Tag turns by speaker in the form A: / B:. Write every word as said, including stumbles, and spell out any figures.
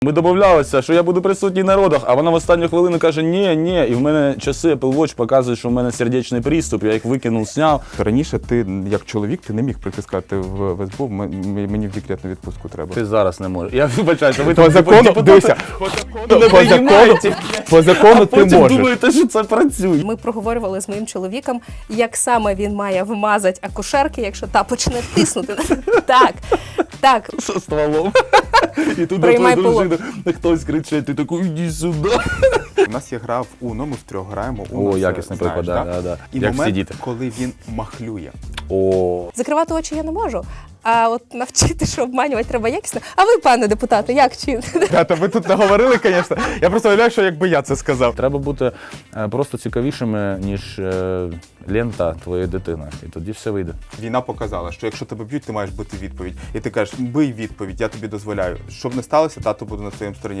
A: Ми домовлялися, що я буду присутній на родах, а вона в останню хвилину каже ні, ні, і в мене часи Apple Watch показують, що в мене сердечний приступ, я їх викинув, зняв.
B: Раніше ти, як чоловік, ти не міг притискати в, в СБУ, м- м- мені в декретну відпустку треба.
A: Ти зараз не можеш. Я вибачаюся, ви
B: По
A: там
B: закону,
A: депутати
B: дивися,
A: не
B: по закону,
A: приймаєте,
B: по закону
A: а
B: ти
A: потім
B: можеш.
A: думаєте, що це працює.
C: Ми проговорювали з моїм чоловіком, як саме він має вмазати акушерки, якщо та почне тиснути. Так, так.
A: Со стволом. І тут до
C: Приймай
A: твоєї дружини хтось кричить, ти такий, іди сюди.
B: У нас є гра в Uno, ми втрьох граємо. Uno,
A: О,
B: це
A: якісний
B: знаєш,
A: приклад,
B: да?
A: да, да.
B: І
A: Як
B: момент,
A: сидіти.
B: коли він махлює.
A: О,
C: Закривати очі я не можу, а от навчити, що обманювати треба якісно. А ви, пане депутате, як чините?
B: Ребята, ви тут наговорили, звісно. Я просто уявляю, що якби я це сказав.
A: треба бути е, просто цікавішими, ніж е, лента твоєї дитини. І тоді все вийде.
B: Війна показала, що якщо тебе б'ють, ти маєш бути відповідь. І ти кажеш, бий відповідь, я тобі дозволяю. Щоб не сталося, тато буде на своєму стороні.